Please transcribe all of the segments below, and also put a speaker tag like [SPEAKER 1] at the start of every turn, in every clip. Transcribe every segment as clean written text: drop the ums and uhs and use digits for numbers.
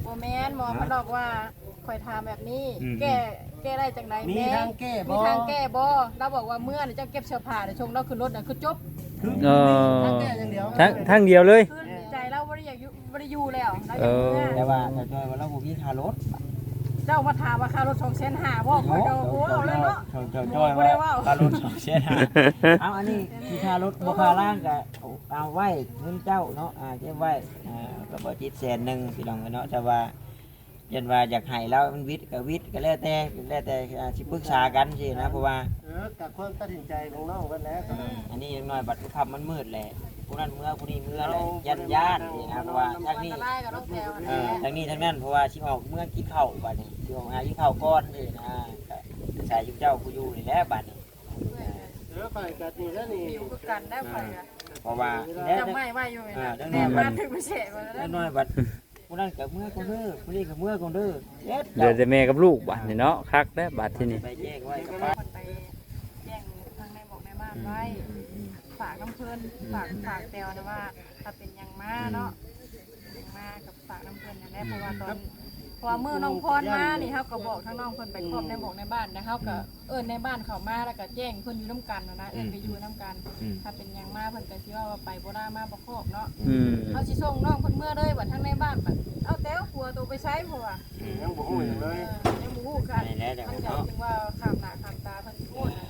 [SPEAKER 1] บ่แม่นหมอมันบอกว่าข่อยถามแบบนี้แก้ได้จังได๋
[SPEAKER 2] มี
[SPEAKER 1] แม่
[SPEAKER 2] ทางแก้บ่
[SPEAKER 1] มีทางแก้บ่เราบอกว่าเมื่อนี่เจ้าเก็บเสื้อผ้าเดี๋ยวชงเราขึ้นรถน่ะคือจบ
[SPEAKER 2] ทางแก้อย่างเดียว
[SPEAKER 3] ทั้งเดียวเลย
[SPEAKER 1] คือใจเราบ่ได้อยากอยู่บ่ได้อยู่แล้วเราอ
[SPEAKER 3] เอย
[SPEAKER 1] ากเมื่อ
[SPEAKER 3] อ
[SPEAKER 4] แต่ว่าถ้าจอยว่าเราบ่มีค่ารถ
[SPEAKER 1] เจ้ามาถามว่าค่ารถ2,500บ่ข่อยก็โอ้เอาเลยเนาะ
[SPEAKER 4] เจ้าจอยว่าค่ารถ2,500เอาอันนี้ที่ค่ารถบ่ค่าล่างก็เอาไว้เงินเจ้าเนาะเก็บไว้ก็บ่จิต100,000พี่น้องเนาะแต่ว่ายันว่าอยากให้แล้วมันวิทย์ก็วิทย์ก็แล้วแต่สิปรึกษากันสินะเพราะว่า
[SPEAKER 2] กับความตัดสินใจของน้องกันแล้ว
[SPEAKER 4] อันนี้ยังน้อยบัดค่ำมันมืดแหละผู้นั้นเมื่อผู้นี้เมื่อแหละย่านนี่นะเพราะว่าทางนี้
[SPEAKER 1] อันตรายกับรถแถวนะ
[SPEAKER 4] ทางนี้ทางนั้นเพราะว่าชิออกเมื่อกินข้าวบัดนี้ชิออกหากินข้าวก้อนนี่นะใส่ยุเจ้าผู้อยู่นี่แหละบัดนี้
[SPEAKER 2] ไปกันนี่แล้วนี่
[SPEAKER 1] อยู่คือกันได้ข่อยก็
[SPEAKER 4] เพราะว่า
[SPEAKER 1] จำไม่ไว้อยู่นะแม่มาถึงพิเศษมาแล้ว
[SPEAKER 4] น้อยบัดผู้นั้นกับเมื่อคนเด้อผู้นี้กับเมื่อคนเด้อเด็ด
[SPEAKER 3] เดี๋ยวแต่แม่กับลูกบัดนี่เนาะคักแล้วบัดที่นี่
[SPEAKER 4] ไปแจ้งไว้กับ
[SPEAKER 1] ค
[SPEAKER 4] ป้าน
[SPEAKER 1] ไปแจ้งทางในบอกในบ้านไว้ฝากน้ำเพิ่นฝากแตวนะว่าถ้าเป็นยังมาเนาะยังมากับฝากน้ำเพิ่นอย่างแรกเพราะว่าตอนพอมือน้องพรมานี่เขาก็บอกทั้งน้องเพิ่นไปครอบในบอกในบ้านนะเขาก็ในบ้านเขามาแล้วก็แจ้งเพิ่นอยู่น้ำกันนะไปอยู่น้ำกันถ้าเป็นยังมาเพิ่นก็สิว่าไปบ่ได้มาบ่ครอบเนาะ เขาสิส่งน้องเพิ่นเมื่อเลยบัดทั้งในบ้านบัดเอาแต่หัวตัวไปใช้เพราะว่า
[SPEAKER 2] ยังบ่ฮู้อย่างเลย
[SPEAKER 1] ยังบ่ฮู้กัน
[SPEAKER 4] นี่แหละแต่
[SPEAKER 1] มัน
[SPEAKER 4] เนาะ
[SPEAKER 1] จึงว่าข้ามหน้าข้ามตาเพิ่นพูดนะ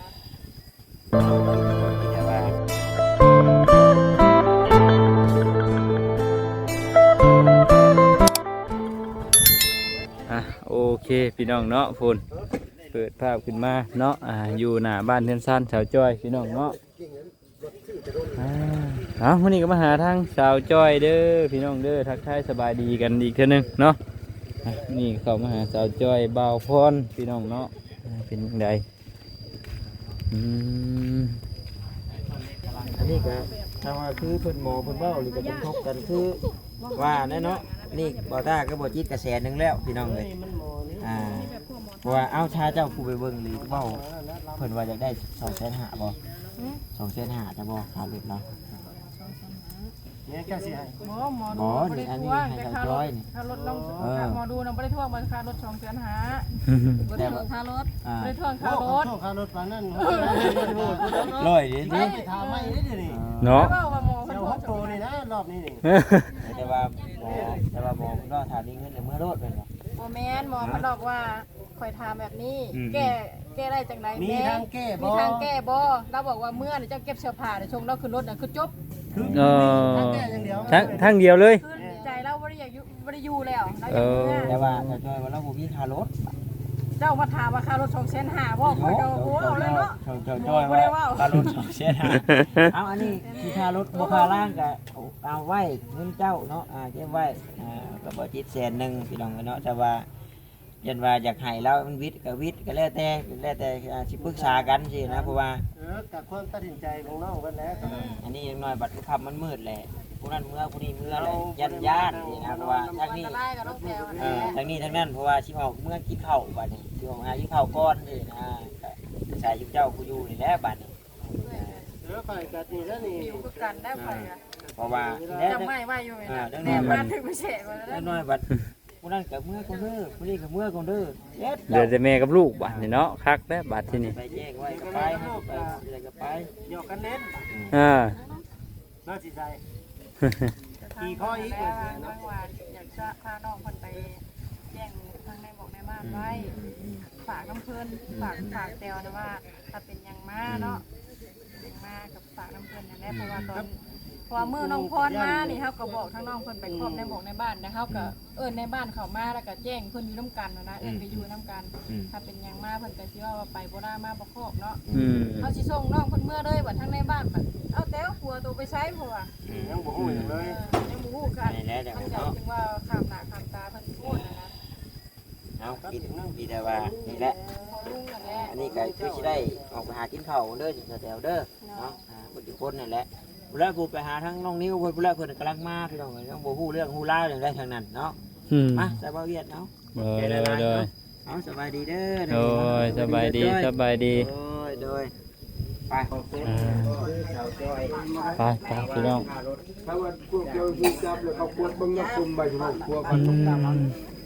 [SPEAKER 4] แต่ว่า
[SPEAKER 3] โอเคพี่น้องเนาะพุ่นเปิดภาพขึ้นมาเนาะอยู่หน้าบ้านเทือนสั้นสาวจ้อยพี่น้องเนาะวันนี้ก็มาหาทางสาวจ้อยเด้อพี่น้องเด้อทักทายสบายดีกันอีกเท่านึงเนาะนี่เข้ามาหาสาวจ้อยบ่าวพรพี่น้องเนาะเป็นยังไง
[SPEAKER 4] อันนี้ก็ถ้าว่าคือเพิ่นหมอเพิ่นเว้าหรือก็เป็นทบกันคือว่าแน่เนาะนี่บ่ตาก็บ่จิตกระแสนึงแล้วพี่น้องเลยเพราะว่าเอาชาเจ้าผู้ไปเบิ่งหรือเว้าเพิ่นว่าอยากได้2,500,000บ่2,500,000จะบ่ค่ารถเนาะ
[SPEAKER 2] เนี่ยแค่สิให้
[SPEAKER 1] หมอดูบ่ได้ทวงแต่ค่ารถลงหมอดูนำบ่ได้ทวงบ่ค่ารถ2แสนหาบ่ได้ทวงค่ารถบ่ได้ทวงค่ารถ
[SPEAKER 2] โทษค่ารถปานนั้น
[SPEAKER 4] ร้อยดิ
[SPEAKER 2] ได้ถามไม่ได้ดิ
[SPEAKER 3] เนาะ
[SPEAKER 1] เว้าว่าหมอเพิ่
[SPEAKER 2] เจ้าน
[SPEAKER 1] ทว
[SPEAKER 2] ฮอง ตโตนี่นะรอบนี้นี่
[SPEAKER 4] แต่ว่าหมอเพิ่นก็ถามมีเงินในเมื่อรถเพิ่นว่า
[SPEAKER 1] บ่แม่นหมอมันบอกว่าข่อยถามแบบนี้แก้ได้จังได๋
[SPEAKER 2] มี
[SPEAKER 1] แม่
[SPEAKER 2] ทางแก้บ่
[SPEAKER 1] มีทางแก้บ่เราบอกว่าเมื่อนี่เจ้าเก็บเสื้อผ้าเดี๋ยวชงเราขึ้นรถน่ะคือจบ
[SPEAKER 2] ทางแก้อย่างเดียว
[SPEAKER 3] ทั้งเดียวเลย
[SPEAKER 1] คือใจเราบ่ได้อยากอยู่บ่ได้อยู่แล้วเราอยากเมื่อ
[SPEAKER 4] แต่ว่าถ้าจอยว่าเราบ่มีค่ารถ
[SPEAKER 1] เจ้ามาถามว่าค่ารถ2,500บ่ข่อยก็โอ้เอาเลยเนาะ
[SPEAKER 4] จอยว่าค่ารถ2,500,000เอาอันนี้ที่ค่ารถบ่ค่าล่างก็เอาไว้เงินเจ้าเนาะเก็บไว้ก็บ่จิต100,000พี่น้องเนาะแต่ว่ายันว่าอยากให้แล้วมันวิทย์ก็วิทย์ก็แล้วแต่สิปรึกษากันสินะเพราะว่า
[SPEAKER 2] กับความตัดสินใจของน้องกันแล้ว
[SPEAKER 4] อันนี้ยังน้อยบัดค่ำมันมืดแหละผู้นั้นเมื่อผู้นี้เมื่อแหละย่านนี่นะเพราะว่าทางนี้
[SPEAKER 1] อันตรายกับรถแถวนะ
[SPEAKER 4] ทางนี้ทางนั้นเพราะว่าชิออกเมื่อกินข้าวบัดนี้ชิออกหากินข้าวก้อนนี่นะใส่ยุเจ้าผู้อยู่นี่แหละบัดนี้
[SPEAKER 2] ไปกันนี่แล้วนี่
[SPEAKER 1] อยู่คือกันได้ข่อยก็
[SPEAKER 4] เพราะว่า
[SPEAKER 1] จำไม่ไว้อยู่นะแม่มาถึงพิเศษมาแล้ว
[SPEAKER 4] น้อยบัดผู้นั้นกับเมื่อคนเด้อผู้นี้กับเมื่อคนเด้อเด็ด
[SPEAKER 3] เดี๋ยวแต่แม่กับลูกบัดนี่เนาะคักแล้วบัดที่นี่
[SPEAKER 4] ไปแจ้งไว้ก็ไปอะไรก็ไป
[SPEAKER 2] หยอกกันเล่น น่าสิใจ
[SPEAKER 1] กี่ข้ออีกเลยนะว่าอยากจะพาน้องคนไปแจ้งทางในบอกในบ้านไว้ฝากน้ำเพิ่นฝากแตวนะว่าถ้าเป็นยังมาเนาะยังมากับฝากน้ำเพิ่นอย่างแรกเพราะว่าตอนพอมือน้องพรมานี่เขาก็บอกทั้งน้องเพิ่นไปครอบในบอกในบ้านนะเขาก็ในบ้านเขามาแล้วก็แจ้งเพิ่นอยู่น้ำกันนะไปอยู่น้ำกันถ้าเป็นยังมาเพิ่นก็สิว่าไปบ่ได้มาบ่ครอบเนาะเขาสิส่งน้องเพิ่นเมื่อเลยบัดทั้งในบ้านบัดเอาแต่หัวตัวไปใช้เพราะว่า
[SPEAKER 2] ยังบ่ฮู้อย่างเลย
[SPEAKER 1] ยังบ่ฮู้กันมันจึงว่าข้ามหน้าข้ามตาเพิ่นพูดนะ
[SPEAKER 4] เอากินแต่ว่านี่แหละ อันนี้ก็คือสิได้ออกไปหากินข้าวเด้อแถวเด้อเนาะบุตรคนนั่นแหละเวลากูไปหาทั้งน้องนิ้วเพิ่นเวลาเพิ่นกำลังมาพี่น้องต้องบ่ฮู้เรื่องฮู้ราวอย่างใดทางนั้นเนาะมาสบายเวียดเนาะ
[SPEAKER 3] โดย
[SPEAKER 4] เอาสบายดีเด้อ
[SPEAKER 3] โดยสบายดี
[SPEAKER 4] โดยไป
[SPEAKER 3] พี่น้อง
[SPEAKER 5] ถ้าว่าพวกเจ้าที่จับแล้วเขาควรเบิ่งยักษ์คุมใบชมพูพวกกัน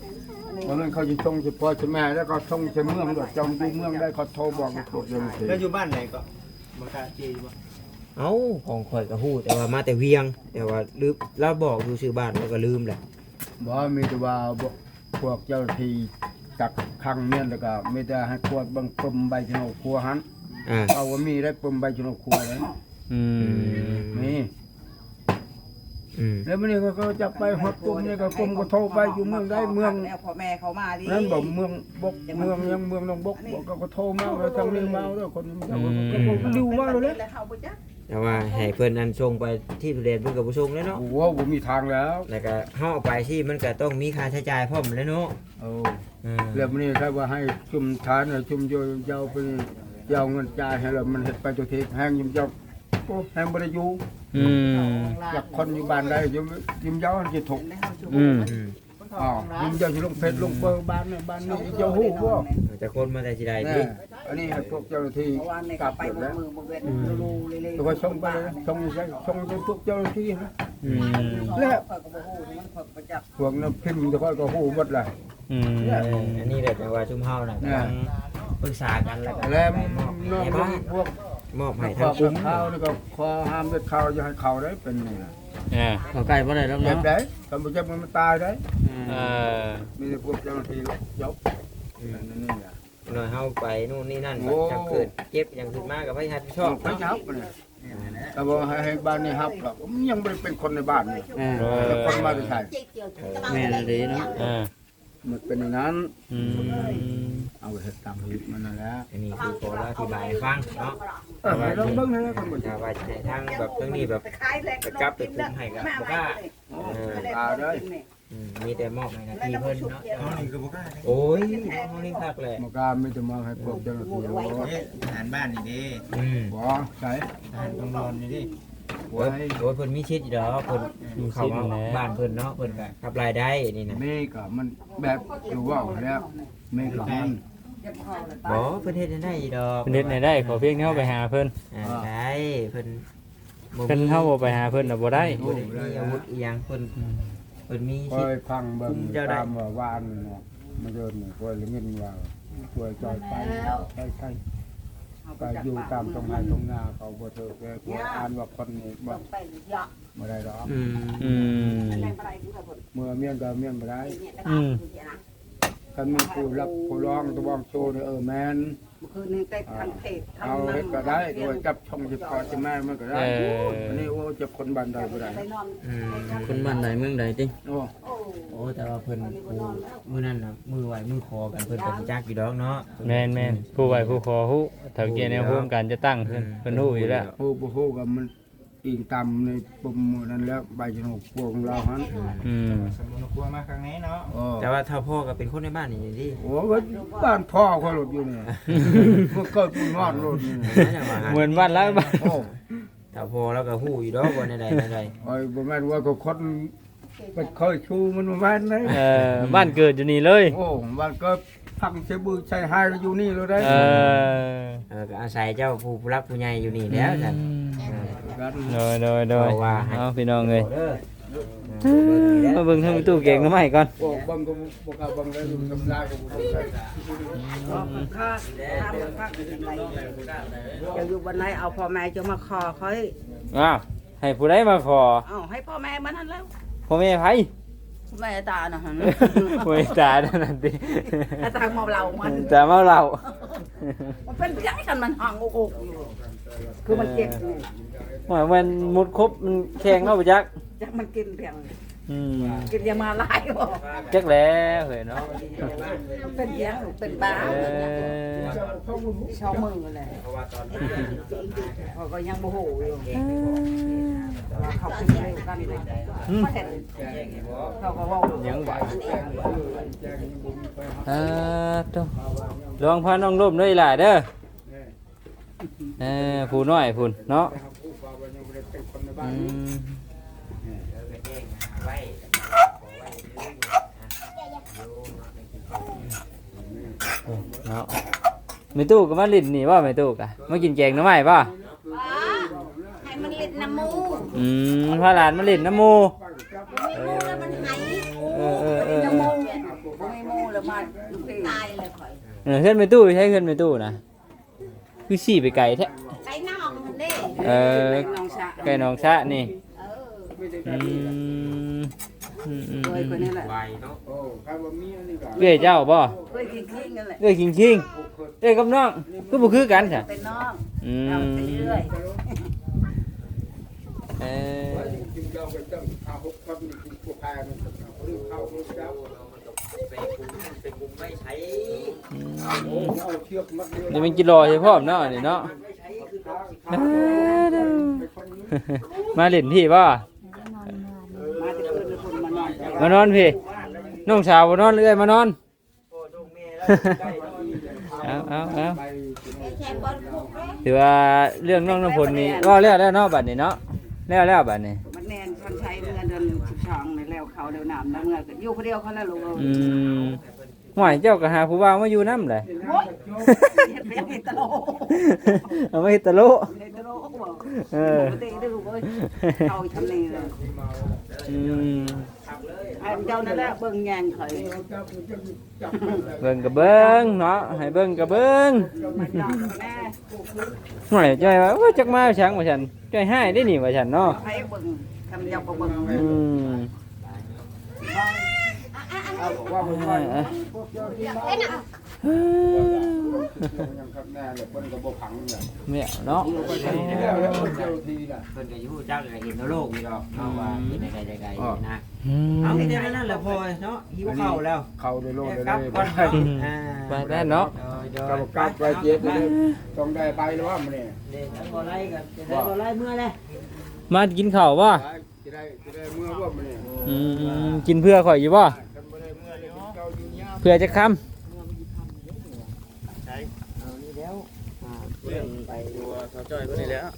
[SPEAKER 5] วันนั้นเขาจะส่งเฉพาะแม่แล้วก็ส่งเฉเมืองด้วยจองดูเมืองได้เขาโทรบอกกดยังสิ
[SPEAKER 2] แล้วอยู่บ้านไหนก็บ่กล้าเจบ่
[SPEAKER 4] เอ้าของข่อยก็ฮู้แต่ว่ามาแต่เวียง แต่ว่าลืมเราบอกอยู่ชื่อบ้านแล้วก็ลืมแหละ
[SPEAKER 5] บอกมีแต่ว่าพวกเจ้าที่จักขังเมียนแล้วก็ไม่ได้ให้ขวดบังปมใบชนกครัวหัน
[SPEAKER 4] อ่า
[SPEAKER 5] เอาว่ามีได้ปมใบชนกครัวเลย
[SPEAKER 3] อืม
[SPEAKER 5] นี่
[SPEAKER 4] อืม
[SPEAKER 5] แล้วมันนี่ก็จับไปฮอดกลุ่มนี่ก็กลุ่มก็โทรไปอยู่เมืองได้เมือง
[SPEAKER 6] แล้วพ่อแม่เขามาดิ
[SPEAKER 5] นั่นบอกเมืองบกเมืองยังเมืองน้องบกบอกก็โทรมาแล้วทางนี้มาแล้วคนนี้ก็ดูมาเลย
[SPEAKER 6] แล้วเขาบ่จัก
[SPEAKER 4] แต่ว่าให้เพิ่นอันส่งไปที่ทุเรียนเพิ่นก็บ่ส่งแล้วเนาะ
[SPEAKER 5] โอ้โหผมมีทางแล้ว
[SPEAKER 4] แล้วก็เฮาเอาไปที่มันก็ต้องมีค่าใช้จ่ายพร้อมแล้วเนาะ
[SPEAKER 5] โอ้
[SPEAKER 4] อืม
[SPEAKER 5] แล้วมันนี่ถ้าว่าให้ชุมทานชุมโยยาวไปยาวเงินจ่ายให้แล้วมันเฮ็ดไปตัวทีแห้งยุ่มยาวโอ้แห้งบ่ได้อยู่
[SPEAKER 3] อืม
[SPEAKER 5] อยากคนอยู่บ้านได้ยุ่มยาวจะถูก
[SPEAKER 3] อืม
[SPEAKER 4] อืม
[SPEAKER 5] อ๋อยุ่มยาวสิลงเพชรลงเบอร์บ้านนี่บ้านนี้เจ้าฮู้บ่
[SPEAKER 4] แต่คนมาแต่สิได้
[SPEAKER 5] แน่
[SPEAKER 4] ดิ
[SPEAKER 5] อันนี้ให้พวกเจ้าหน้าที่
[SPEAKER 6] เพราะว่าใน
[SPEAKER 5] กลั
[SPEAKER 6] ก็
[SPEAKER 5] บ
[SPEAKER 6] ไป
[SPEAKER 5] หมด
[SPEAKER 6] บ่
[SPEAKER 5] แล้ว
[SPEAKER 6] มือบ่เว้นรูเลย
[SPEAKER 5] แล้วก็ส่งไปเลยส่งให้พวกเจ้าหน้าที่นะ
[SPEAKER 3] อืม
[SPEAKER 5] แล้ว
[SPEAKER 6] ข่อยก็บ่ฮู้มันข่อยบ่จัก
[SPEAKER 5] พวกนั้นพิมพ์แต่ค่อยก็ฮู้หมดเลย
[SPEAKER 3] อืม
[SPEAKER 4] อันนี้แหละแต่ว่าชุมเฮาน่ะกำลังปรึกษากันแล้วก็
[SPEAKER 5] แล้ว
[SPEAKER 4] ไปมอบ
[SPEAKER 5] น้อง
[SPEAKER 4] ให้บ้าน
[SPEAKER 5] พวก
[SPEAKER 4] มอบให้
[SPEAKER 5] ข้า
[SPEAKER 4] ทาง
[SPEAKER 5] ว
[SPEAKER 4] คุ้ม
[SPEAKER 5] ข้าวนี่ก็ขอห้ามเด็ดข้าวอย่าให้ข้าวได้เป็นนี่นะ
[SPEAKER 3] อ่า
[SPEAKER 4] เขาใกล้บ่ได้แล้ว
[SPEAKER 5] เจ็บ
[SPEAKER 4] เนาะ
[SPEAKER 5] ได้ทำบ่เจ็บมันตายได้
[SPEAKER 3] เออ
[SPEAKER 5] มีแต่พวกเจ้าหน้าที่ยกนั่นนี่แหละ
[SPEAKER 4] หน่อยเฮาไปนู่นนี่นั่น
[SPEAKER 5] โอ้
[SPEAKER 4] จังเกิดเจ็บอย่างขึ้นมาก็ไม่ทันชอบ
[SPEAKER 5] ไม่ชับเนี่ยแต่ว่าให้บ้านนี้ฮับหรอกยังไม่ได้เป็นคนในบ้านนี่ แล้วคนมาจะใช่
[SPEAKER 4] แม่นดีเนาะ
[SPEAKER 3] อ่า
[SPEAKER 5] มันเป็นอย่างนั้น
[SPEAKER 3] อืม
[SPEAKER 5] เอาเห็ดตามหิบมันนั่นแหละ
[SPEAKER 4] อันนี้คือขออธิบายให้ฟังเนาะ
[SPEAKER 5] เราเบิ่งให้คนบ่
[SPEAKER 4] ถ้าว่าจะให้ทางแบบเรื่องนี้แบบ
[SPEAKER 6] ไปขายแลก
[SPEAKER 4] ไปกลับไปคุมให้กับบ่กล้า
[SPEAKER 5] ตาได้
[SPEAKER 4] มีแต่มอบให้หนาทีเพิ่นเนาะ
[SPEAKER 2] เอานี่ก็บ่กล้า
[SPEAKER 4] โอ้ยเฮานี่คักแหละ
[SPEAKER 5] มากาไม่จะมาให้พวกเจ้าหน้าที่รู้
[SPEAKER 2] เอ๊ะอาหารบ้านนี่เด้
[SPEAKER 4] อืม
[SPEAKER 5] บ่ใช่
[SPEAKER 2] อาหารต้องนอนนี่เด้
[SPEAKER 4] โอ้ยโอ้ยเพิ่นมีชิดอยู่ดอกเพิ่นเข้ามาบ้านเพิ่นเนาะเพิ่นก็รับรายได้นี่นะ
[SPEAKER 5] เมฆอะมันแบบอยู่ว่าแล้วเมฆกับมัน
[SPEAKER 4] บ่เพิ่นเฮ็ดได้อยู่ดอก
[SPEAKER 3] เพิ่นเฮ็ดให้ได้ขอเพียงเฮาไปหาเพิ่น
[SPEAKER 4] ได้เพิ่น
[SPEAKER 3] เพิ่นเฮาบ่ไปหาเพิ่นน่ะบ่ได้
[SPEAKER 4] บ่ได้มีอาวุธอีหยังเพิ่นมี
[SPEAKER 5] ค
[SPEAKER 4] ชิ
[SPEAKER 5] อ
[SPEAKER 4] ด
[SPEAKER 5] ยฟังเบิ่ง
[SPEAKER 4] คุมเจ้าได้
[SPEAKER 5] ตามว่าวานเนาะมาเดินคอยละเงินว่าคอยจอยไปใช่ก็อยู่ตามตรงไหนตรงนาเขาบ่เถอะแกคอยอ่านว่าคนนี้บ่บ่ได้ดอก
[SPEAKER 4] อืม
[SPEAKER 3] อืม
[SPEAKER 5] เมื่อเมียนก็เมียนบ่ได้
[SPEAKER 3] อืม
[SPEAKER 5] คันมีผู้รับผู้ร้องตะบองโชว์นี่แม่น
[SPEAKER 6] คืนนี้ได้ทางเพจ
[SPEAKER 5] เอาเฮ็ดก็ได้โดยจับช่องสิพอจะแม่มันก็ได้
[SPEAKER 3] เออ
[SPEAKER 5] อันนี้โอ้จะคนบ้านใดบ่ได้
[SPEAKER 4] อืมคนบ้านไหนเมืองใดติ
[SPEAKER 5] โอ้
[SPEAKER 4] โอ้แต่ว่าเพิ่นผู้มื้อนั้นน่ะมือไหวมือคอกันเพิ่นก็สิจักอยู่ดอกเนาะ
[SPEAKER 3] แม่นผู้ไหวผู้ขอฮู้ถ้าเกี่ยวแนวโฮมการจะตั้งเพิ่นฮู้อยู่แล้ว
[SPEAKER 5] โอ้บ่ฮู้ก็มันอิงตามในปุ่มนั้นแล้วใบชนกพวกของเราหั่น
[SPEAKER 3] อืม
[SPEAKER 2] สมุนครัวมาครั้งนี้เนาะ
[SPEAKER 5] โอ้
[SPEAKER 4] แต่ว่าถ้าพ่อก็เป็นคนในบ้านนี่ดิ
[SPEAKER 5] โอ้ก็บ้านพ่อเขาหลบอยู่นี่มันเกิดปุ่นนอนรถนี่
[SPEAKER 3] เหมือนบ้านแล้วบ้าน
[SPEAKER 5] โอ้
[SPEAKER 4] ถ้าพ่อแล้วก็ฮู้อยู่ดอกว่าในใดในใด
[SPEAKER 5] ไอ้บ่แม่นว่าก็คนเป็นเคยชูมันบ่แม่นเลย
[SPEAKER 3] บ้านเกิดอยู่นี่เลย
[SPEAKER 5] โอ้บ้านก็พังใช้บือใช้หายอยู่นี่เลยได้
[SPEAKER 3] เออ
[SPEAKER 4] ก็อาศัยเจ้าผู้รักผู้ใหญ่อยู่นี่แล้วจ้ะ
[SPEAKER 5] กัน
[SPEAKER 3] โดย
[SPEAKER 4] เอาว่าให้
[SPEAKER 3] เอาพี่น้องเอ้ย
[SPEAKER 4] เด้อ
[SPEAKER 3] มาเบิ่งทางตู้เก่งน้ำใหม่ก่อน
[SPEAKER 5] โอ้บังก็บ่กล้าบังเลยทำลายก็บ่ได้
[SPEAKER 6] ค่าทำค่าจะอยู่วันไหนเอาพ่อแม่จะมาขอเขา
[SPEAKER 3] อ้าวให้ผู้ใดมาขอ
[SPEAKER 6] เอาให้พ่อแม่มันนั่นแล้ว
[SPEAKER 3] พ่อแม่ไผ
[SPEAKER 6] แม่ตาน่ะฮะ
[SPEAKER 3] พ่อแม่ตานั่นติ
[SPEAKER 6] ตาเมาเรามัน
[SPEAKER 3] ตาเมาเหล้า
[SPEAKER 6] มันเป็นยังไงกันมันห่างอกอยู่คือมันเจ็บนี่
[SPEAKER 3] ว่ามันมุดครบมันแข็งเนาะบ่จัก
[SPEAKER 6] จักมันกินเพียง
[SPEAKER 3] อืม
[SPEAKER 6] กินยามาลายบ่
[SPEAKER 3] จักแล้วเฮ้ยเนาะ
[SPEAKER 6] เป็นยังเป็นบ้า
[SPEAKER 3] เออ
[SPEAKER 6] ชอบมือเลยเขาก็ยังโมโหอยู่เขาเป็นเร็วกันเลยมาเห็นเขาก็ว่า
[SPEAKER 3] ยังไหวตัวลองพาน้องร่มด้วยล่ะเด้อผู้น้อยพุ่นเนาะอืมเนาะไม่ตู้ก็มาลิ้นนี่ว่าไม่ตู้กะมากินแกงหน้ำใหม่ป่ะ
[SPEAKER 7] ให้มันเล่นน้ำมู
[SPEAKER 3] พาหลานมาลิ้นน้ำหมู
[SPEAKER 7] ไม่มูแล้วมันไหาย
[SPEAKER 3] เออ
[SPEAKER 6] น้ำมูไม่มูมาลูกพี่
[SPEAKER 7] ตายเลยข่อย
[SPEAKER 3] เพื่อนไปตู้ใช้เพื่อนไปตู้นะคือสี่ไปไกลแท้
[SPEAKER 7] ไอ้น้องมันเด้
[SPEAKER 6] น้องชะ
[SPEAKER 3] ไก่น้องชะนี่
[SPEAKER 7] เออ
[SPEAKER 6] เคยคนนี้แหละ
[SPEAKER 4] ไวเนาะ
[SPEAKER 5] โอ้ใครว่ามีอันนี้ก็
[SPEAKER 3] เอ้ยเจ้าบ่
[SPEAKER 6] เคยคิงๆกันแหละ
[SPEAKER 3] เอ้ยคิงเอ้ยกับน้องก็บ่คือกันจ้ะ
[SPEAKER 6] เป็นน้อง
[SPEAKER 3] อื
[SPEAKER 6] เรา
[SPEAKER 3] ม
[SPEAKER 6] ไปเรื่อย
[SPEAKER 3] เออ
[SPEAKER 5] จริงๆเราไปต้องเอาหกคนนี่คือพวกแพรมันหรือเข้าหรือเจ้า
[SPEAKER 4] ไปคุมไม่ใช้
[SPEAKER 5] โอ้เอาเชือกมัดเดียว
[SPEAKER 3] นี่มันกิโลใช่พร้อมเนาะนี่เนาะ
[SPEAKER 4] ไม่ใช้คือเขา
[SPEAKER 3] มาเล่นพี่บ่
[SPEAKER 6] มาจะคืนเป็นคนมานอน
[SPEAKER 3] มานอนพี่น้องสาวบ่นอนเอ้ยมานอน
[SPEAKER 4] โอ้ลูกแม่แล้วได้
[SPEAKER 3] เอา
[SPEAKER 7] ไอ้แค่บอลพวกเด้
[SPEAKER 3] ถือว่าเรื่องน้องน้ำพลนี่ว่าแล้วเนาะบัดนี้เนาะแล้วบัดนี้
[SPEAKER 6] มันแนนชันชัยเมื่อเดือน12ในแล้วเขาเดียวน้ำแล้วเมื่ออยู่คนเดียวเขาแล้วลูก
[SPEAKER 3] อืมห่วยเจ้าก็หาผู้บ่าวมาอยู่นำเลย
[SPEAKER 6] โอ้ยเป็นตลก
[SPEAKER 3] เอามาเฮ็ดตะโล
[SPEAKER 6] เป็นตลกบอก
[SPEAKER 3] เออ
[SPEAKER 6] ปกติได้ลูกเอ้ยเอาทำนี่เลย
[SPEAKER 3] อืม
[SPEAKER 6] ไอ้เจ้านั่นแหละเบิ่งแยงข่อย
[SPEAKER 3] เบิ่งก็เบิ่งเนาะให้เบิ่งก็เบิ่ง
[SPEAKER 6] มันยอกแม่
[SPEAKER 3] ห่วยจ้อยว่าโอ้จักมาชังว่าฉันจ้อยให้ได้นี่ว่าฉันเนาะ
[SPEAKER 6] ให้เบิ่งคำเดียวก็เบิ่ง
[SPEAKER 3] อืม
[SPEAKER 5] ว่าผมว่า
[SPEAKER 3] อ่ะ
[SPEAKER 5] พวกเจ้าที่มา
[SPEAKER 7] เอ้ยน่ะ
[SPEAKER 5] ยังครับแน่เลยเพิ่นก็บ่พังเนี่ย
[SPEAKER 3] แม่เนาะ
[SPEAKER 5] แล้วแล้วเจ้าที่น่ะ
[SPEAKER 4] เพิ่นก็อยู่จักก็เห็นโลกนี่ดอกเอาว่าเห็นได้ไกลๆนะ
[SPEAKER 3] อืม
[SPEAKER 4] เอาแค่นั้นแหละพอเนาะหิวข้าวแล้ว
[SPEAKER 5] เข้าได้โลดได้
[SPEAKER 4] กลับ
[SPEAKER 5] เลย
[SPEAKER 4] ก่อนอ่า
[SPEAKER 3] ไปได้เนาะ
[SPEAKER 5] กับกลับไปเจ็ดเลยต้องได้ไปแล้วว่ามันนี่
[SPEAKER 4] เด็กทั้งบ่ไล่กันจะได้บ่ไล่เมื่อเลย
[SPEAKER 3] มากินข้าวบ่
[SPEAKER 5] จะได้เมื่อว่ามันนี่
[SPEAKER 3] อืมกินเพื่อข่อยอยู่บ่
[SPEAKER 5] กันบ่ได้เมื่อเลยเจ้าอยู่ยาม
[SPEAKER 3] เพื่อจะค้ำ
[SPEAKER 4] เอานี่แล้วเรื่องไปดูสาวจ้อยเพิ่นนี่แล้ว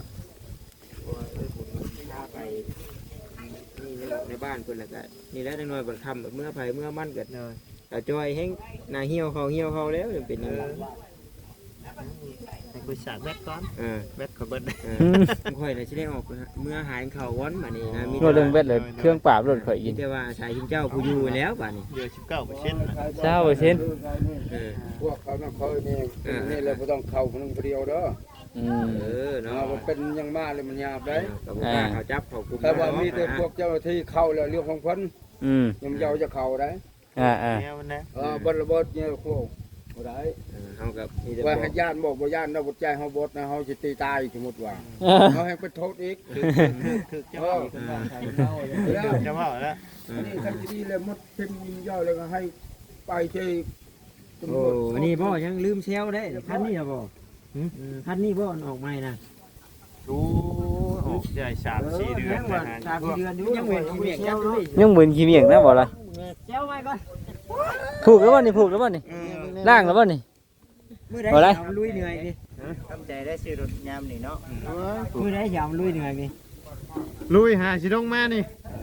[SPEAKER 4] พาไปนี่ในบ้านเพิ่นแล้วก็นี่แหละจังน้อยบัดค่ำเมื่อไผเมื่อมันเกิดสาวจ้อยแฮงหน้าเหี่ยวเขาแล้วเป็นจังได๋
[SPEAKER 2] ให้คุยสาดแบตก่อน
[SPEAKER 4] เออ
[SPEAKER 2] แบตขอเบิด
[SPEAKER 4] ค่อยน่ะสิได้ออกเมื่อหายเขาวอนบัดนี้นะมี
[SPEAKER 3] โน่เรื่องเบ็ดเลยเครื่องปราบรถข่อย
[SPEAKER 4] มี
[SPEAKER 3] กิน
[SPEAKER 4] แต่ว่าชายชิงเจ้าผู้อยู่แล้วบัดนี้
[SPEAKER 2] เดือน19%นะ
[SPEAKER 3] เช้าไปเช่น
[SPEAKER 4] เออ
[SPEAKER 5] พวกเขาต้องคอยนี่นี่เลยบ่ต้องเข้าคนนึงเดียวเด้อ
[SPEAKER 3] อืม
[SPEAKER 4] เออเนาะ
[SPEAKER 5] มันเป็นยังมาเลยมันยาบได้
[SPEAKER 4] กับกล้าเขาจับเขาคุม
[SPEAKER 5] แต่ว่ามีแต่พวกเจ้าหน้าที่เข้าแล้วเรื่องของเพิ่น
[SPEAKER 3] อืม
[SPEAKER 5] ยังเจ้าจะเข้าได้
[SPEAKER 3] อ่า
[SPEAKER 2] แนวมันนะ
[SPEAKER 5] บ่ระเบิดเนี่ยโคบ่ได้
[SPEAKER 4] เฮากับมีแต่
[SPEAKER 5] ว่า
[SPEAKER 4] บอ
[SPEAKER 5] ให้
[SPEAKER 4] ก
[SPEAKER 5] ย่านบอกบ่ย่านนะบ่ใจเฮาบดนะเฮาสิตีตายสมมุติว่าเฮาให้ไปโทษอีก
[SPEAKER 2] ถึกจะว่าจะว่าแล้ว
[SPEAKER 5] นี่คันดีเลยมดเพิ่นยิงย่อยแล้วก็ให้ไปที่ตำร
[SPEAKER 4] โอ้
[SPEAKER 5] วจ
[SPEAKER 4] นี่บ่ยังลืมเซลได้คันนี้บ่คันนี้บ่ออกใหม่นะ
[SPEAKER 2] รู้ออกใหญ่3-4 เดือนนะฮะ
[SPEAKER 4] 3 เดือนอยู่ยังเว้นขี้เมียกจับด้วย
[SPEAKER 3] ยังเหมือนขี้เมียงนะบ่ล่ะ
[SPEAKER 4] เซลไว้ก่อน
[SPEAKER 3] ผูกแล้วบ่นี่ผูกแล้วบ่นี่ล่างแล้วบ่นี่
[SPEAKER 4] มื้อใดยามลุยเหนื่อยดิ
[SPEAKER 2] ทำใจได้ซื้อรถยามนี่เนาะ
[SPEAKER 4] มื้อใดยามลุยเหนื่อยดิ
[SPEAKER 2] ลุยหาสิลงมานี่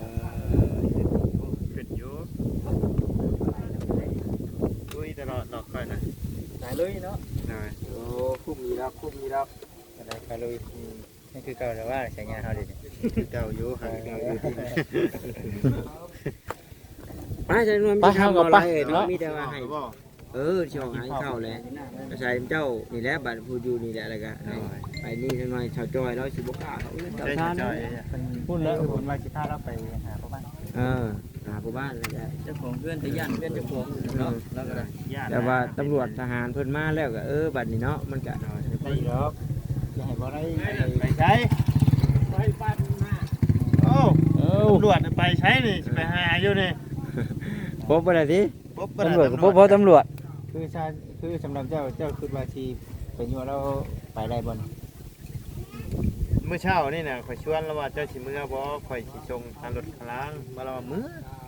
[SPEAKER 2] ขึ้นอยู่ลุยตลอดดอกค่อยนะ
[SPEAKER 3] สายลุยเนาะ
[SPEAKER 2] ได้
[SPEAKER 4] โอ้คุ้มอีแล้วคุ้มอีแล้ว
[SPEAKER 3] อะไรไปลุยนี่คือเก่าแต่ว่าใช้งานเฮาดิ
[SPEAKER 2] เจ้าอยู่หาเก่าอยู่ที่
[SPEAKER 4] ป้าจะนวลมีทำอะไรเนาะมีแต่ว่าให้
[SPEAKER 2] บ่
[SPEAKER 4] ช่วงหายเข้าแล้วชายเจ้านี่แหละบัดผู้อยู่นี่แหละแล้วก็ไปนี่จังหน่อยชาวจอยแล้วสิบ่กล้าเขาเจ้า
[SPEAKER 2] ได้
[SPEAKER 4] ท่าน
[SPEAKER 2] จ่อย
[SPEAKER 3] พูดแล้วคุณว่าสิพาเราไปหาพ่อบ้าน
[SPEAKER 4] หาผู้บ้านแล้วก็
[SPEAKER 3] เจ้าของเพื่อนจะย่านเพื่อนเจ้าของเนาะแล้วก็ได้
[SPEAKER 4] แต่ว่าตำรวจทหารเพิ่นมาแล้วก็บัดนี้เนาะมันก็
[SPEAKER 3] ไปดอกอย่าให้บ่ได้
[SPEAKER 2] ไปใช้โอ้ตำรวจไปใช้นี่ไปหาอยู่นี่
[SPEAKER 4] พบบ่ได้ติ
[SPEAKER 2] ปุ๊บ
[SPEAKER 3] ตำรวจก็บ่พอตำรวจ
[SPEAKER 5] คือสำหรับเจ้าคือว่าที่เป็นอยู่เราไปได้บ่
[SPEAKER 2] เมื่อเช้านี่น่ะข่อยชวนแล้วว่าเจ้าสิมื้อบ่ข่อยสิส่งทางรถคลางมาแล้วว่ามื้อ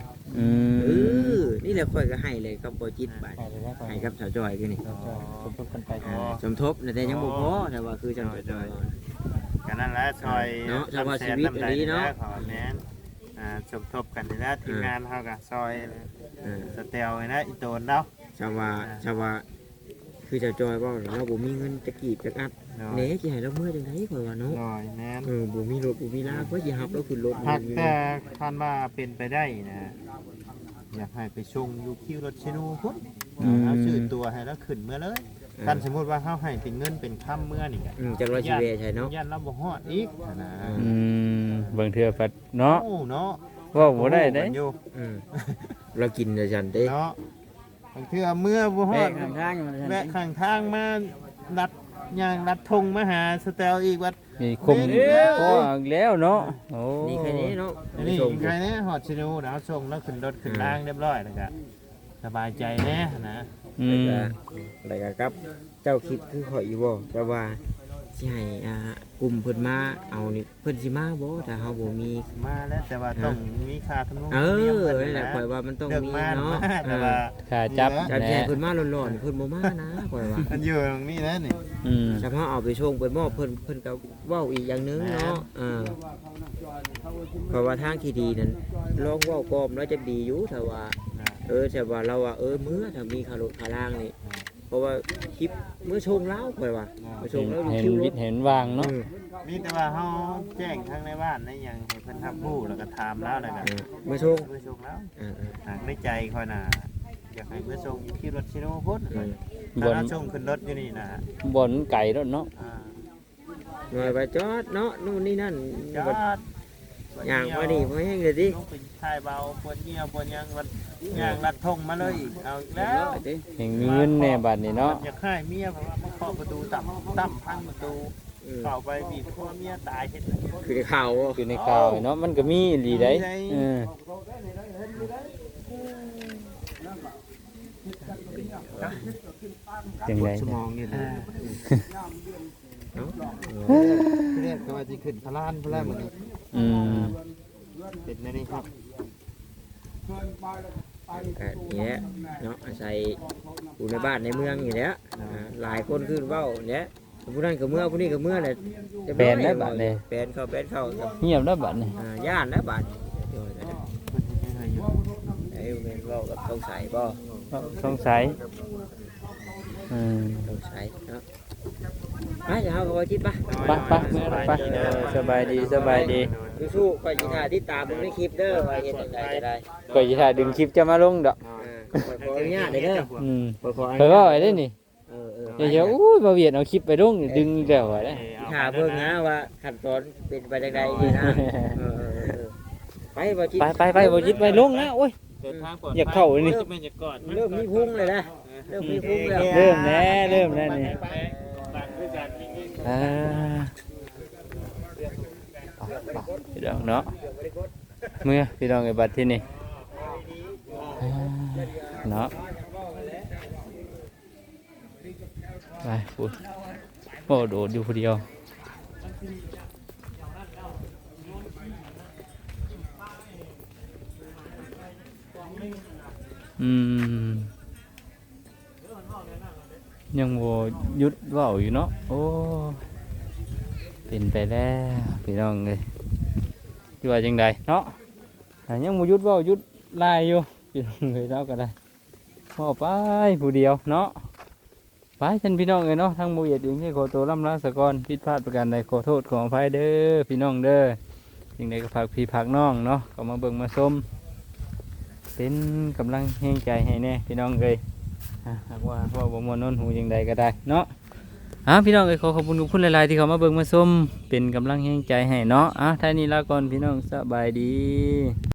[SPEAKER 4] นี่แหละค่อยก็ให้เลยกับบ่จิตบาด
[SPEAKER 5] ไปได้ไป
[SPEAKER 4] ให้กับชาวจอยคือนี่
[SPEAKER 5] สมทบกันไป
[SPEAKER 4] สมทบแต่ยังบ่พอแต่ว่าคือจังจอย
[SPEAKER 2] กันนั่นแหละซอย
[SPEAKER 4] เนาะชาวชีวิตอันนี้เนาะ
[SPEAKER 2] ขอแม่นสมทบกันนี่นะทีมงานเฮาก็ซอยสเตลนี่นะอีโตนเนาะ
[SPEAKER 4] ชาวว่าคือชาวจอยว่าเราบ่มีเงินจะกีบจะอัดเน่สิให้เราเมื่อจังได๋ข่อยว่าเนาะ
[SPEAKER 2] หน่อยแม่น
[SPEAKER 4] บ่มีรถบ่มีลาก็สิหับเราขึ้นรถ
[SPEAKER 2] หากแต่คันว่าเป็นไปได้นะอยากให้ไปชงอยู่คิวรถชิโนูพุ่นเอาชื่อตัวให้แล้วขึ้นเมื่อเลยกันสมมุติว่าเฮาให้เป็นเงินเป็นค่ำเมื่อนี่ก็
[SPEAKER 4] จังว่าสิเวใช่เนาะ
[SPEAKER 2] ยันเราบ่ฮอดอีกนะ
[SPEAKER 3] บางเทื่อปัดเนาะ
[SPEAKER 2] โอ้เนาะ
[SPEAKER 3] เว่าบ่ได้เด้
[SPEAKER 2] อยู่
[SPEAKER 4] เรากินแต่ฉันเด้
[SPEAKER 2] เนาะบางเทื่อเมื่อบ่ฮอด
[SPEAKER 6] ข้างทางมัน
[SPEAKER 2] แวะข้างทางมาดัดย่างดัดธงมาหาสแตลอีกวัด
[SPEAKER 3] นี่คมก็อีกแล้วเนาะโอ้
[SPEAKER 4] นี่แค่นี้เนาะ
[SPEAKER 2] นี่
[SPEAKER 4] ส่ง
[SPEAKER 2] ใครเนี่ยฮอดชิโนูแล้วส่งแล้วขึ้นรถขึ้นล่างเรียบร้อยแล้วก็สบายใจแน่นะ
[SPEAKER 3] อืม
[SPEAKER 4] แล้วก็ครับ เจ้าคิดคือข่อยอยู่บ่แต่ว่าสิให้กลุ่มเพิ่นมาเอานี่เพิ่นสิมาบ่ถ้าเฮาบ่มี
[SPEAKER 2] มาแล้วแต่ว่าต้องมีค่าทำนุ
[SPEAKER 4] เอ
[SPEAKER 2] เนียม
[SPEAKER 4] อ
[SPEAKER 2] เพิ่น
[SPEAKER 4] นั่นแหละ
[SPEAKER 2] นะ
[SPEAKER 4] ข่อยว่ามันต้อง
[SPEAKER 2] เลือก
[SPEAKER 4] มี
[SPEAKER 2] มา
[SPEAKER 4] เนาะ
[SPEAKER 2] แต่ว่า
[SPEAKER 3] ขาจับ
[SPEAKER 4] จับ
[SPEAKER 3] แห
[SPEAKER 4] แย่
[SPEAKER 3] น่
[SPEAKER 4] เพิ่นมาร้อนๆเพิ่นบ่มานะข่อยว่า
[SPEAKER 2] มันอยู่ตรงนี้นะนี่
[SPEAKER 3] อืม
[SPEAKER 4] ถ้าเฮาเอาไปส่งไปมอบเพิ่นก็เว้าอีกอย่างหนึงเนาะเพราะว่าทางที่ดีนั้นลองเว้ากอมแล้วจะดีอยู่ถ้าว่า แต่ว่าเราว่ามื้อถ้ามีคารถคาล่างนี่เพราะว่าคลิปมื้อชงแล้วข่อยว่ามื้อชงแล้ว
[SPEAKER 3] เห็น
[SPEAKER 4] คิวร
[SPEAKER 3] วิ
[SPEAKER 4] ถ
[SPEAKER 3] ทย์เห็นวางเนาะ
[SPEAKER 2] มีแต่ว่าเฮาแจ้งทางในบ้านในหยังให้เพิ่นรับรู้แล้วก็ถามแล้วแล้วก็
[SPEAKER 4] มื้อชง
[SPEAKER 2] เมื่อส่งแล้วหากในใจค่อยน่ะอยากให้เมื่อส่งอยู่ที่รถชิโนพุ่นถ้าเราส่งขึ้นรถอยู่นี่นะ
[SPEAKER 3] บนไก่รถเนาะ
[SPEAKER 4] หน่อยไปจอดเนาะนู่นนี่นั่น
[SPEAKER 2] จอด
[SPEAKER 4] ย่างมาดิบ่แห้งเลยดิ
[SPEAKER 2] ต้องเป็นทายเบาปวดเหี่ยวปวดหยังวันย่างลัดทงมาเลยอีกเอาอีกแล้ว
[SPEAKER 3] เห็นมีเงินแน่บัดนี้เนาะ
[SPEAKER 2] อยากให้เมียเพราะว่ามาเคาะประตูต่ำพังประตูเข้าไปบีบคอเมียตายเฮ็ด
[SPEAKER 4] คือข่าว
[SPEAKER 3] คือในข่าวเนาะมันก็มีอีหลีได้เออจังได
[SPEAKER 2] สมองนี่นะเรียกว่าสิขึ้นพลานพลานมื้อนี้
[SPEAKER 3] อืม
[SPEAKER 2] เป็นแน่นี่ครับ
[SPEAKER 4] ก็นี่แหละเนาะอาศัยอยู่ในบ้านในเมืองอยู่แล้วหลายคนขึ้นเว้าเนี่ยผู้นั้นก็เมื่อผู้นี้ก็เมื่อแหละ
[SPEAKER 3] แปลนได้บัดนี้
[SPEAKER 4] แปลนเข้ากับ
[SPEAKER 3] เงียบแล้วบัดนี้
[SPEAKER 4] ย่านนะบัดไอ้แม่นเว้ากับต้องใส่บ่
[SPEAKER 3] สงสัย
[SPEAKER 4] ต้องใส่เนาะไปเดี๋ยวเฮาก็บ่จิตป่ะ
[SPEAKER 3] ไปเมื่อไปสบายดีสบายดี
[SPEAKER 4] สู้ๆข่อยสิถ่ายติดตามมึงในคลิปเด้อว่าเฮ็ดจังไดก็ได้
[SPEAKER 3] ก็จะถ่ายดึงคลิปจะมาลงดอก
[SPEAKER 4] ข่อยขออนุญาตเด้อ
[SPEAKER 3] อืม
[SPEAKER 4] ข่อยขออ
[SPEAKER 3] เพิ่
[SPEAKER 4] นุ
[SPEAKER 3] น
[SPEAKER 4] ญา
[SPEAKER 3] ว่า
[SPEAKER 4] ต
[SPEAKER 3] ไว้ได้นี่
[SPEAKER 4] เออ
[SPEAKER 3] เดี๋ยวอู้บ่เวียดเอาคลิปไปลงนี่ดึงอีกแล้วว่าได้
[SPEAKER 4] ถามเบิ่งนะว่าขั้นตอนเป็นไปจังไดนี่นะไปบ่จิต
[SPEAKER 3] ไปบ่จิตไปลงนะโอ้ย อยากเข้านี่
[SPEAKER 4] เริ่มมีพุ่งเลยนะเริ่มมีพุ่งแล้ว
[SPEAKER 3] เริ่มแล้วนี่อ่าพี่น้องเนาะเมื่อพี่น้องไอ้บัดที่นี่เนาะไปพูดโอ้โดดอยู่คนเดียวยังโวยุดเว้าอยู่เนาะโอ้เป็นไปแล้วพี่น้องเลยที่ว่าจังใดเนาะแต่ยังโวยุดเว้ายุดลายอยู่พี่น้องเลยเนาะก็ได้พอไปผู้เดียวเนาะไปท่านพี่น้องเลยเนาะทั้งโมเหยียดเองที่ขอตัวล่ำลาสะกอนผิดพลาดประการใดขอโทษขออภัยเด้อพี่น้องเด้อสิ่งใดก็ฝากพี่ฝากน้องเนาะก็มาเบิ่งมาชมเป็นกำลังแห่งใจให้แน่พี่น้องเลยหากว่าพ่อบ่มวนโน้นหูยังใดก็ได้เนาะพี่น้องเอ้ยขอขอบคุณทุกคนหลายๆที่เขามาเบิ่งมาชมเป็นกำลังแห่งใจให้เนาะท่านี้ลาก่อนพี่น้องสบายดี